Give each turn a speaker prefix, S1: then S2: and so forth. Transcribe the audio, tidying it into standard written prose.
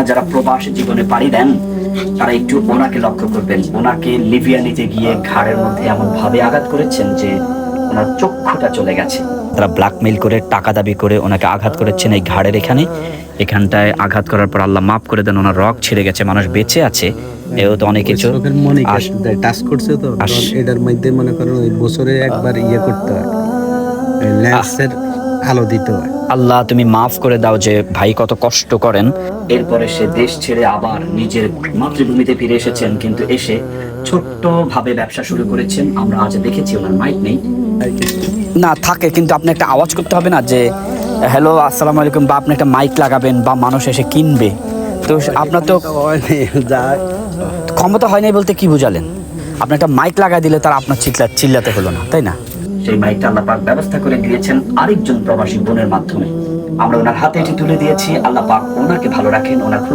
S1: যারা প্রবাসী জীবনে পাড়ি দেন তারা একটু ওনাকে লক্ষ্য করবেন। ওনাকে লিবিয়া নিতে গিয়ে ঘাড়ের মধ্যে এমন ভাবে আঘাত করেছেন যে ওনার চক্ষুটা চলে গেছে। তারা ব্ল্যাকমেইল করে টাকা দাবি করে ওনাকে আঘাত করেছেন এই ঘাড়ের এখানটায় আঘাত করার পর আল্লাহ মাফ করে দেন, ওনার রগ ছিঁড়ে গেছে, মানুষ বেঁচে আছে। এও তো অনেক কিছু
S2: টাচ করছে তো এটার মধ্যে মনে করেন ওই বছরে একবার ইয়ে করতে হয়, লেন্সের আলো দিতে হয়।
S1: আল্লাহ তুমি মাফ করে দাও যে ভাই কত কষ্ট করেন। এরপরে সে দেশ ছেড়ে আবার নিজের মাতৃভূমিতে ফিরে এসেছেন, কিন্তু এসে ছোট্ট ভাবে ব্যবসা শুরু করেছেন। আমরা আজ দেখেছি ওনার মাইক নেই না থাকে, কিন্তু আপনি একটা আওয়াজ করতে হবে না যে হ্যালো আসসালামু আলাইকুম, বা আপনি একটা মাইক লাগাবেন বা মানুষ এসে কিনবে। তো আপনার তো ক্ষমতা হয় নাই বলতে কি বুঝালেন? আপনি একটা মাইক লাগা দিলে তার আপনার চিল্লাতে হলো না, তাই না? সেই মাইকটা আল্লাহ পাক ব্যবস্থা করে দিয়েছেন আরেকজন প্রবাসী বোনের মাধ্যমে। আমরা ওনার হাতে এটি তুলে দিয়েছি। আল্লাহ পাক ওনাকে ভালো রাখেন, ওনার